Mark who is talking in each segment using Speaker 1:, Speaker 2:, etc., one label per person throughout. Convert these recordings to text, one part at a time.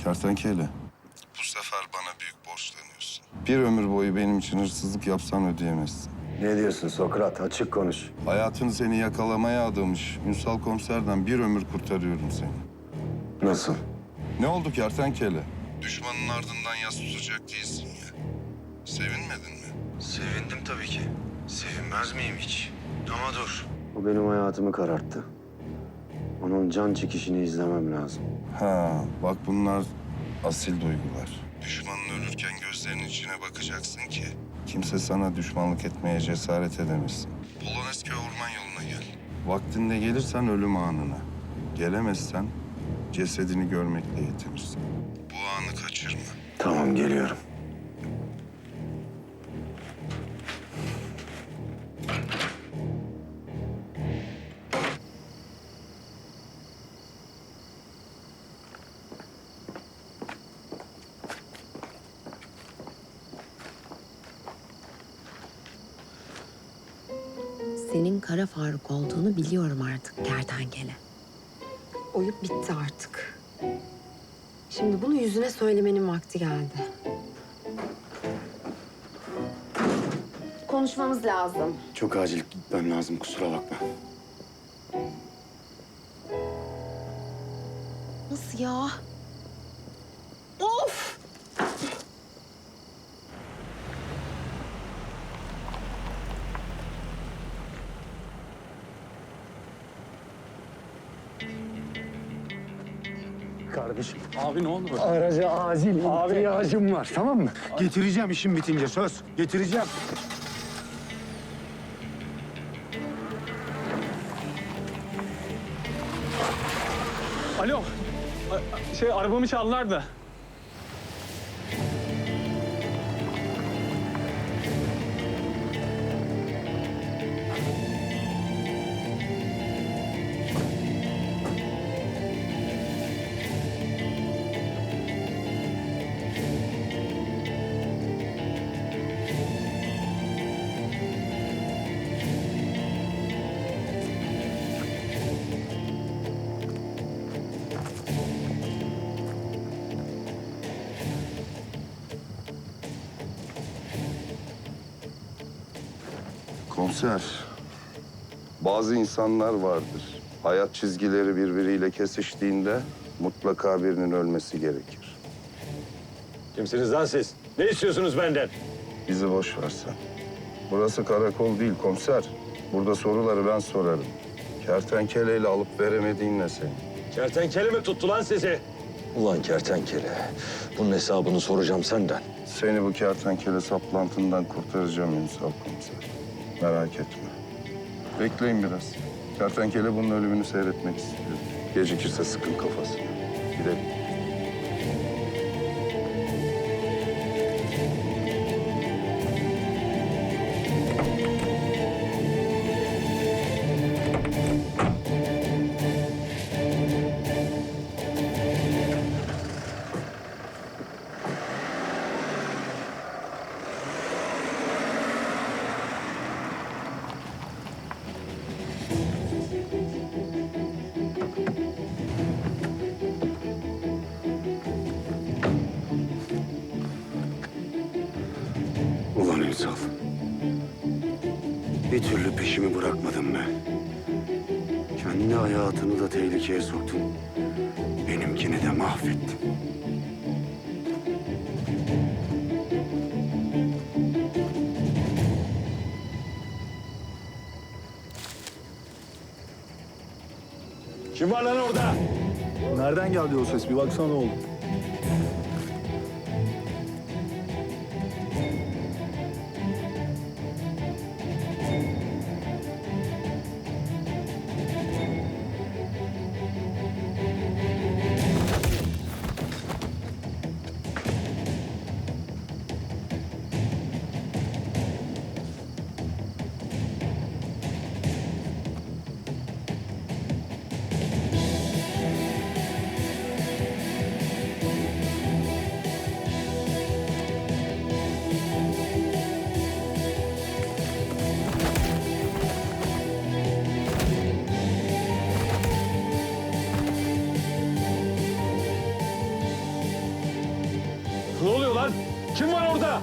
Speaker 1: Kertenkele, bu sefer bana büyük borçlanıyorsun. Bir ömür boyu benim için hırsızlık yapsan ödeyemezsin.
Speaker 2: Ne diyorsun Sokrat? Açık konuş.
Speaker 1: Hayatını seni yakalamaya adamış Ünsal komiserden bir ömür kurtarıyorum seni.
Speaker 2: Nasıl?
Speaker 1: Ne oldu kertenkele? Düşmanın ardından yas tutacak değilsin ya. Sevinmedin mi?
Speaker 2: Sevindim tabii ki. Sevinmez miyim hiç? Ama dur. O benim hayatımı kararttı. Onun can çekişini izlemem lazım.
Speaker 1: Ha, bak bunlar asil duygular. Düşmanın ölürken gözlerinin içine bakacaksın ki kimse sana düşmanlık etmeye cesaret edemesin. Polonezköy orman yoluna gel. Vaktinde gelirsen ölüm anına. Gelemezsen cesedini görmekle yetinirsin. Bu anı kaçırma.
Speaker 2: Tamam, geliyorum.
Speaker 3: Senin Kara Faruk olduğunu biliyorum artık kertenkele. Oyup bitti artık. Şimdi bunu yüzüne söylemenin vakti geldi. Konuşmamız lazım.
Speaker 2: Çok acil gitmem lazım, kusura bakma.
Speaker 3: Nasıl ya? Of!
Speaker 2: Kardeşim,
Speaker 4: Abi ne oldu?
Speaker 2: araca acil ihtiyacım var, tamam mı? Getireceğim işim bitince, söz. Getireceğim.
Speaker 4: Alo. Arabamı çaldılar da.
Speaker 1: Komiser, bazı insanlar vardır. Hayat çizgileri birbiriyle kesiştiğinde mutlaka birinin ölmesi gerekir.
Speaker 5: Kimsiniz lan siz? Ne istiyorsunuz benden?
Speaker 1: Bizi boş versen. Burası karakol değil komiser. Burada soruları ben sorarım. Kertenkeleyle alıp veremediğin ne senin?
Speaker 5: Kertenkele mi tuttu lan sizi? Ulan kertenkele, bunun hesabını soracağım senden.
Speaker 1: Seni bu kertenkele saplantından kurtaracağım Ünsal komiser. Merak etme. Bekleyin biraz. Kertenkele bunun ölümünü seyretmek istiyor. Gecikirse sıkın kafasını. Gidelim.
Speaker 2: Ulan Ünsal. Bir türlü peşimi bırakmadın be. Kendi hayatını da tehlikeye soktun. Benimkini de mahvettin.
Speaker 5: Kim var lan orada?
Speaker 4: Nereden geldi o ses? Bir baksana oğlum.
Speaker 5: lan? Kim var orada?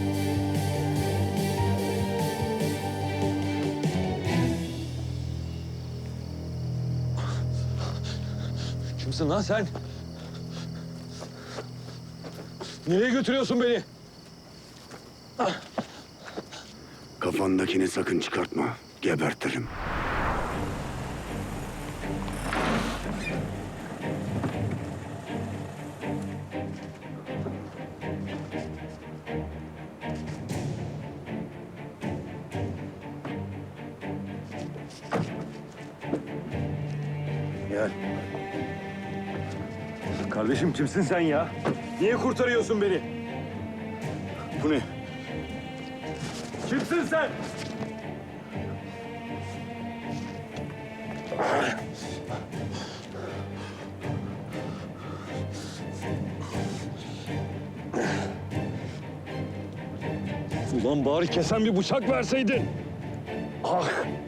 Speaker 5: Kimsin lan sen? Nereye götürüyorsun beni?
Speaker 2: Kafandakini sakın çıkartma. Gebertirim. Gel.
Speaker 5: Kardeşim kimsin sen ya? Niye kurtarıyorsun beni?
Speaker 2: Bu ne?
Speaker 5: Kimsin sen? Ulan bari kesen bir bıçak verseydin. Ah!